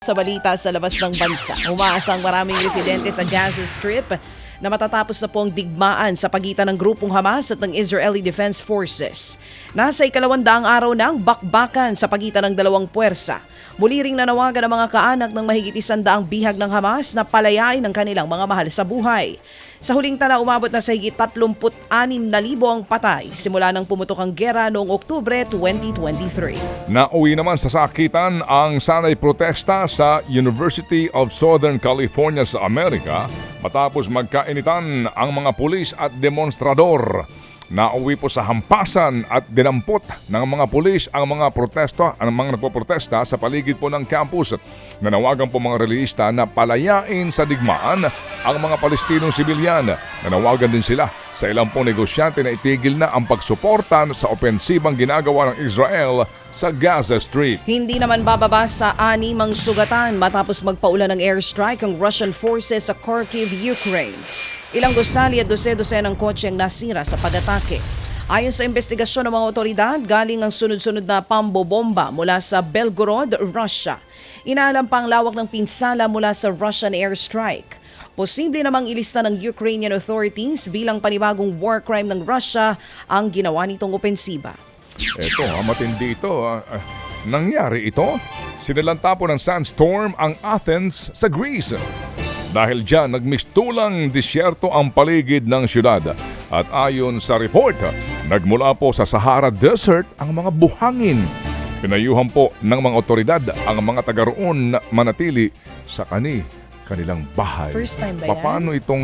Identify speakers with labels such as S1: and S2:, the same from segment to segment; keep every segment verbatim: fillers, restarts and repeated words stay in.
S1: Sa balita sa labas ng bansa, umaasang maraming residente sa Gaza Strip na matatapos na po ang digmaan sa pagitan ng grupong Hamas at ng Israeli Defense Forces. Nasa ikalawandaang araw ng bakbakan sa pagitan ng dalawang puwersa. Muli ring nanawagan ang mga kaanak ng mahigit isandaang bihag ng Hamas na palayain ang kanilang mga mahal sa buhay. Sa huling tala, umabot na sa higit tatlumpu't anim na libo ang patay simula nang pumutok ang gera noong Oktubre twenty twenty-three.
S2: Nauwi naman sa sakitan ang sanay protesta sa University of Southern California sa Amerika matapos magkainitan ang mga pulis at demonstrador. Nauwi po sa hampasan at dinampot ng mga pulis ang mga protesta, ang mga nagpoprotesta sa paligid po ng campus. Nanawagan po mga relihista na palayain sa digmaan ang mga Palestinong sibilyan. Nanawagan din sila sa ilang pong negosyante na itigil na ang pagsuporta sa opensibang ginagawa ng Israel sa Gaza Strip.
S1: Hindi naman bababa sa animang sugatan matapos magpaulan ng airstrike ang Russian forces sa Kharkiv, Ukraine. Ilang gusali at dose-dose ng kotse ang nasira sa pag-atake. Ayon sa investigasyon ng mga otoridad, galing ang sunod-sunod na pambobomba mula sa Belgorod, Russia. Inaalam pa ang lawak ng pinsala mula sa Russian airstrike. Posible namang ilista ng Ukrainian authorities bilang panibagong war crime ng Russia ang ginawa nitong opensiba.
S2: Eto, ah, matindi ito. ah. Ah, nangyari ito? Sinalanta po ng sandstorm ang Athens sa Greece. Dahil dyan, nagmistulang disyerto ang paligid ng syudad. At ayon sa report, nagmula po sa Sahara Desert ang mga buhangin. Pinayuhan po ng mga otoridad ang mga taga roon na manatili sa kani, kanilang bahay.
S1: First time ba yan?
S2: Paano itong,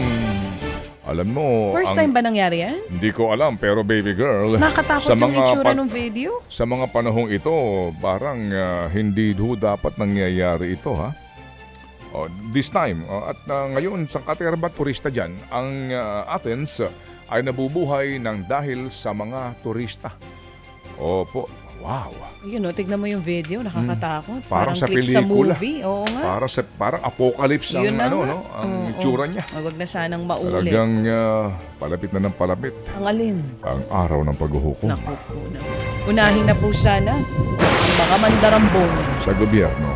S2: alam mo...
S1: First
S2: ang,
S1: time ba nangyari yan?
S2: Hindi ko alam, pero baby girl...
S1: Nakatakot yung itsura ng video?
S2: Sa mga panahong ito, parang uh, hindi ho dapat nangyayari ito, ha? Oh, this time, oh, at uh, ngayon sa katerba turista dyan, ang uh, Athens uh, ay nabubuhay ng dahil sa mga turista. Opo, wow.
S1: Yun o, tignan mo yung video, nakakatakot.
S2: Hmm. Parang,
S1: Parang
S2: sa
S1: clip
S2: pelikula.
S1: sa movie. Oo nga.
S2: Para sa, parang apocalypse ang,
S1: Yun na
S2: ano,
S1: nga.
S2: no, ang
S1: Oo,
S2: itsura
S1: oo.
S2: niya.
S1: Ah, Wag na sanang maulit.
S2: Talagang uh, palapit na ng palapit
S1: Ang alin?
S2: ang araw ng paghuhukom
S1: Naku po na. Unahin na po sana ang mga mandarambong.
S2: sa gobyerno.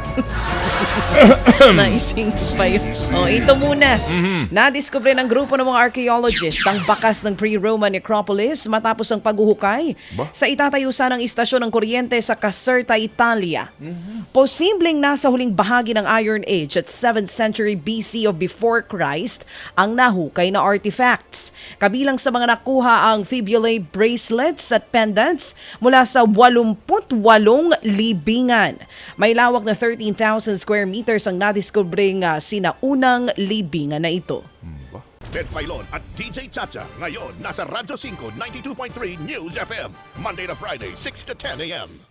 S1: Naising pa yun. O, ito muna.
S2: Mhm.
S1: Nadiskubre ng grupo ng mga archaeologist ang bakas ng pre-Roman necropolis matapos ang paghuhukay
S2: Ba?
S1: sa itatayo sanang istasyon ng kuryente sa Caserta, Italia. Posibleng nasa huling bahagi ng Iron Age at seventh century B C of before Christ ang nahukay na artifacts. Kabilang sa mga nakuha ang fibulae bracelets at pendants mula sa eighty-eight libingan. May lawak na thirteen thousand square meters ang nadiskubring uh, sinaunang libingan na ito.
S3: Ted Filon at D J Chacha. Ngayon, nasa Radyo five ninety-two point three News F M. Monday to Friday, six to ten a m